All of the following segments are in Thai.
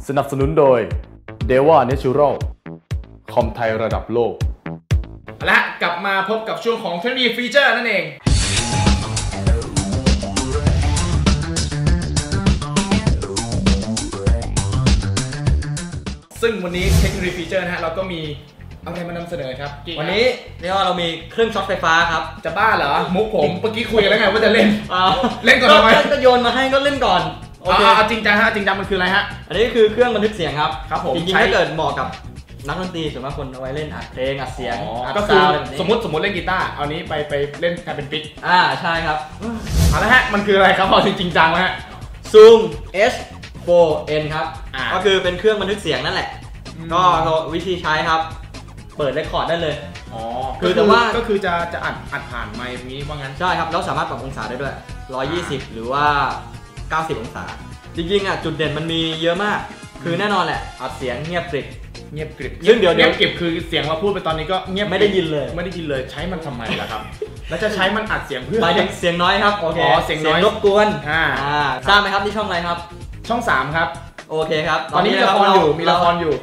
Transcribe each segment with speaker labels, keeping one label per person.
Speaker 1: สนับสนุนโดย Deva Natural คอมไทยระดับโลก
Speaker 2: และกลับมาพบกับช่วงของเทคโนโลยีฟีเจอร์นั่นเองซึ่งวันนี้เทคโนโลยีฟีเจอร์นะฮะเราก็มีอะไรมานำเสนอครับ
Speaker 3: วันนี้เรียกว่าเรามีเครื่องช็อตไฟฟ้าครับ
Speaker 2: จะบ้าเหรอมุกผมเมื่อกี้คุยกันแล้วไงว่าจะเล่นเล่นก่อนทำไม
Speaker 3: ก็โยนมาให้ก็เล่นก่อน
Speaker 2: โอเคจริงจังฮะจริงจังมันคืออะไรฮะ
Speaker 3: อันนี้คือเครื่องบันทึกเสียงครับ
Speaker 2: ครับผม
Speaker 3: จริงๆถ้าเกิดเหมาะกับนักดนตรีส่วนมากคนเอาไว้เล่นอัดเพลงอัดเสียง
Speaker 2: ก็คือสมมติเล่นกีตาร์เอานี้ไปเล่นกลายเป็นปิก
Speaker 3: ใช่ครับ
Speaker 2: เอาละฮะมันคืออะไรครับพอจริงจังฮะ
Speaker 3: Zoom H4n ครับก็คือเป็นเครื่องบันทึกเสียงนั่นแหละก็วิธีใช้ครับเปิดเรคคอร์ดได้เลย
Speaker 2: คือแต่ว่าก็คือจะอัดผ่านไมค์นี้ว่างั้น
Speaker 3: ใช่ครับแล้วสามารถปรับองศาได้ด้วย120หรือว่า90องศาจริงๆจุดเด่นมันมีเยอะมากคือแน่นอนแหละอัดเสียงเงียบกริบ
Speaker 2: ซึ่งเดี๋ยวเก็บคือเสียงเราพูดไปตอนนี้ก็เงียบ
Speaker 3: ไม่ได้ยินเลย
Speaker 2: ใช้มันทำไมล่ะครับแล้วจะใช้มันอัดเสียงเพื่อ
Speaker 3: หมายถึงเสียงน้อยครับโอเค
Speaker 2: เสียงน้อย
Speaker 3: รบกวนทราบไหมครับที่ช่องอะไรครับ
Speaker 2: ช่อง3ครับ
Speaker 3: โอเคครับ
Speaker 2: ตอนนี้มีละครอยู่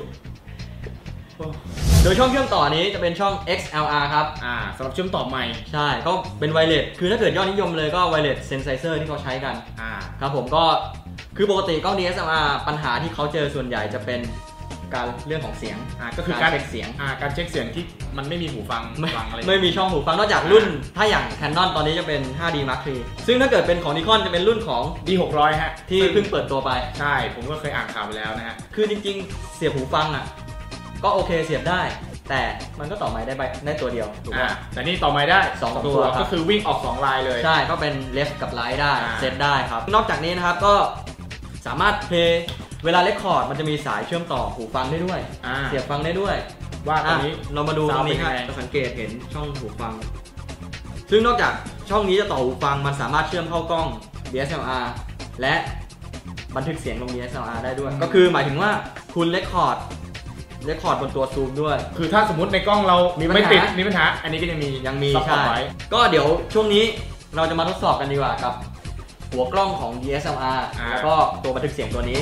Speaker 3: โดยช่องเชื่อมต่อนี้จะเป็นช่อง XLR ครับ
Speaker 2: สำหรับเชื่อมต่อไมค์
Speaker 3: ใช่ก็เป็นไวเลสคือถ้าเกิดยอดนิยมเลยก็ไวเลสเซนไซเซอร์ที่เขาใช้กันครับผมก็คือปกติกล้อง DSLR ปัญหาที่เขาเจอส่วนใหญ่จะเป็นการเรื่องของเสียง
Speaker 2: ก็คือการเช็คเสียงการเช็คเสียงที่มันไม่มีหูฟังอะไร
Speaker 3: ไม่มีช่องหูฟังนอกจากรุ่นถ้าอย่าง Canon ตอนนี้จะเป็น 5D Mark III ซึ่งถ้าเกิดเป็นของ Nikon จะเป็นรุ่นของ
Speaker 2: D600 ฮะ
Speaker 3: ที่เพิ่งเปิดตัวไป
Speaker 2: ใช่ผมก็เคยอ่านข่าวไปแล้วนะฮะ
Speaker 3: คือจริงๆเสียบหูฟังก็โอเคเสียบได้แต่มันก็ต่อไมค์ได้ตัวเดียวถูกไหม
Speaker 2: แต่นี่ต่อไมค์ได้
Speaker 3: 2ตัว
Speaker 2: ก็คือวิ่งออก2ลายเลย
Speaker 3: ใช่ก็เป็น left กับ right ได้เซตได้ครับนอกจากนี้นะครับก็สามารถเพลย์เวลาเรคคอร์ดมันจะมีสายเชื่อมต่อหูฟังได้ด้วยเสียบฟังได้ด้วย
Speaker 2: ว่าตรงนี้
Speaker 3: เรามาดูตรงนี้ครับจะสังเกตเห็นช่องหูฟังซึ่งนอกจากช่องนี้จะต่อหูฟังมันสามารถเชื่อมเข้ากล้อง DSLR และบันทึกเสียงลง DSLR ได้ด้วยก็คือหมายถึงว่าคุณเรคคอร์ดบนตัวซูมด้วย
Speaker 2: คือถ้าสมมติในกล้องเราไม่ติดมีปัญหาอันนี้ก็ยังมี
Speaker 3: ใช่ก็เดี๋ยวช่วงนี้เราจะมาทดสอบกันดีกว่ากับหัวกล้องของ DSLR แล้วก็ตัวบันทึกเสียงตัวนี้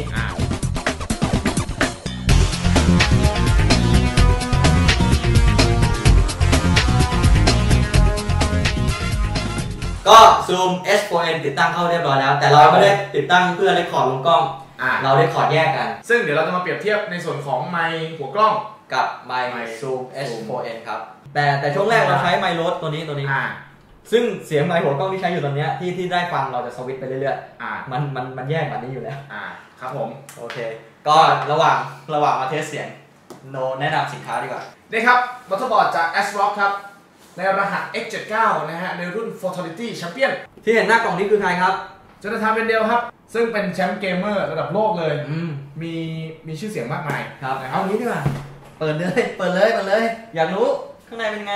Speaker 3: ก็ Zoom H4n ติดตั้งเข้าเรียบร้อยแล้วแต่เราไม่ได้ติดตั้งเพื่อเรคคอร์ดลงกล้องเราเรคคอร์ดแยกกัน
Speaker 2: ซึ่งเดี๋ยวเราจะมาเปรียบเทียบในส่วนของไมค์หัวกล้อง
Speaker 3: กับไมค์ Zoom H4n ครับแต่ช่วงแรกเราใช้ไมค์โรสตัวนี้ซึ่งเสียงไมค์หัวกล้องที่ใช้อยู่ตอนนี้ที่ได้ฟังเราจะสวิตช์ไปเรื่อยๆมันแยกแบบนี้อยู่แล้ว
Speaker 2: ครับผม
Speaker 3: โอเคก็ระหว่างมาเทสเสียงโนแนะนำสินค้าดีกว่า
Speaker 2: นี่ครับมัลติบอร์ดจาก ASRock ครับในรหัส X79 นะฮะในรุ่น Fatality Champion
Speaker 3: ที่เห็นหน้ากล่องนี้คือใครครับ
Speaker 2: จนาธาน เวนเดลครับซึ่งเป็นแชมป์เกมเมอร์ระดับโลกเลยมีชื่อเสียงมากมาย
Speaker 3: ครับเอางี้ดีกว่าเปิดเลยอยากรู้ข้างในเป็นไง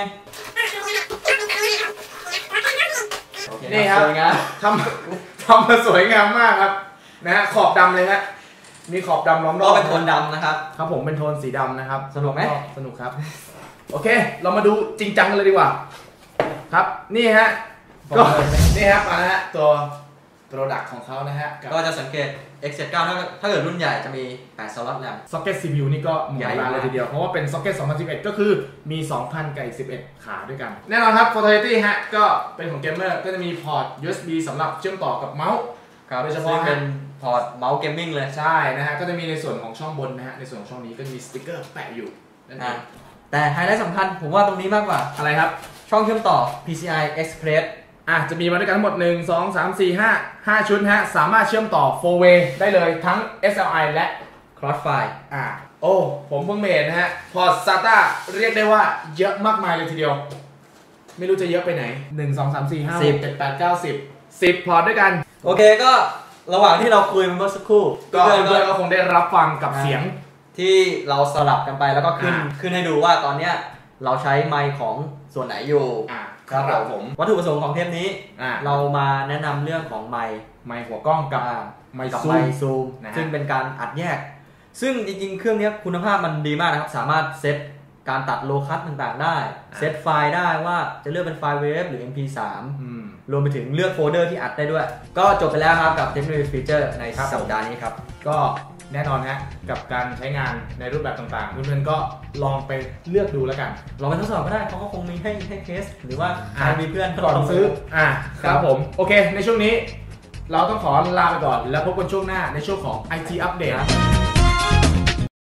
Speaker 2: นี่ครับทำมาสวยงามมากครับนะฮะขอบดำเลยฮะมีขอบดำล้อมรอบ
Speaker 3: เป็นโทนดำนะครับ
Speaker 2: ครับผมเป็นโทนสีดำนะครับ
Speaker 3: สนุกไหม
Speaker 2: สนุกครับโอเคเรามาดูจริงจังกันเลยดีกว่าครับนี่ฮะก็นี่ครับมาแล้วฮะตัวโปรดักต์ของเขานะฮะ
Speaker 3: ก็จะสังเกต X79 ถ้าเกิดรุ่นใหญ่จะมี8 สล็อตแรม
Speaker 2: ซ็อกเก็ต CPU นี่ก็ใหญ่เลยทีเดียวเพราะว่าเป็นซ็อกเก็ต2011ก็คือมี 2,000 กับ11 ขาด้วยกันแน่นอนครับ Fatality ฮะก็เป็นของเกมเมอร์ก็จะมีพอร์ต USB สำหรับเชื่อมต่อกับเมาส์
Speaker 3: โดยเฉพาะเป็นพอร์ตเมาส์เกมมิ่งเลย
Speaker 2: ใช่นะฮะก็จะมีในส่วนของช่องบนนะฮะในส่วนของช่องนี้ก็มีสติ๊กเกอร์แปะอยู่นั่นเอง
Speaker 3: แต่ไฮไลท์สำคัญผมว่าตรงนี้มากกว่า
Speaker 2: อะไรครับ
Speaker 3: ช่องเชื่อมต่อ PCI Express
Speaker 2: จะมีมาด้วยกันทั้งหมด1 2 3 4 5ชุดฮะสามารถเชื่อมต่อ 4 way ได้เลยทั้ง SLI และ
Speaker 3: Crossfire
Speaker 2: โอ้ผมเพิ่งเห็นนะฮะพอร์ต SATA เรียกได้ว่าเยอะมากมายเลยทีเดียวไม่รู้จะเยอะไปไหน1 2 3 4 5 6 7 8 9 10พอร์ตด้วยกัน
Speaker 3: โอเคก็ระหว่างที่เราคุยเมื่อสักครู่
Speaker 2: เพื่อนก็คงได้รับฟังกับเสียง
Speaker 3: ที่เราสลับกันไปแล้วก็ขึ้นให้ดูว่าตอนเนี้ยเราใช้ไมค์ของส่วนไหนอยู่
Speaker 2: ครับผม
Speaker 3: วัตถุประสงค์ของเทปนี้เรามาแนะนำเรื่องของไมค์
Speaker 2: หัวกล้องกับไมค์
Speaker 3: ซูมซึ่งเป็นการอัดแยกซึ่งจริงๆเครื่องนี้คุณภาพมันดีมากนะครับสามารถเซตการตัดโลคัสต่างๆได้เซตไฟล์ได้ว่าจะเลือกเป็นไฟล์เวฟหรือ MP3 รวมไปถึงเลือกโฟลเดอร์ที่อัดได้ด้วย ก็จบไปแล้วครับกับเทคโนโลยีฟีเจอร์ในสัปดาห์นี้ครับ
Speaker 2: ก็แน่นอนฮะกับการใช้งานในรูปแบบต่างๆเพื่อนๆก็ลองไปเลือกดูแล้วกัน
Speaker 3: ลองไปทดสอบก็ได้เขาก็คงมีให้เทสหรือว่าใครมีเพื่อน
Speaker 2: ก่อนซื้อครับผมโอเคในช่วงนี้เราต้องขอลาไปก่อนแล้วพบกันช่วงหน้าในช่วงของ IT Update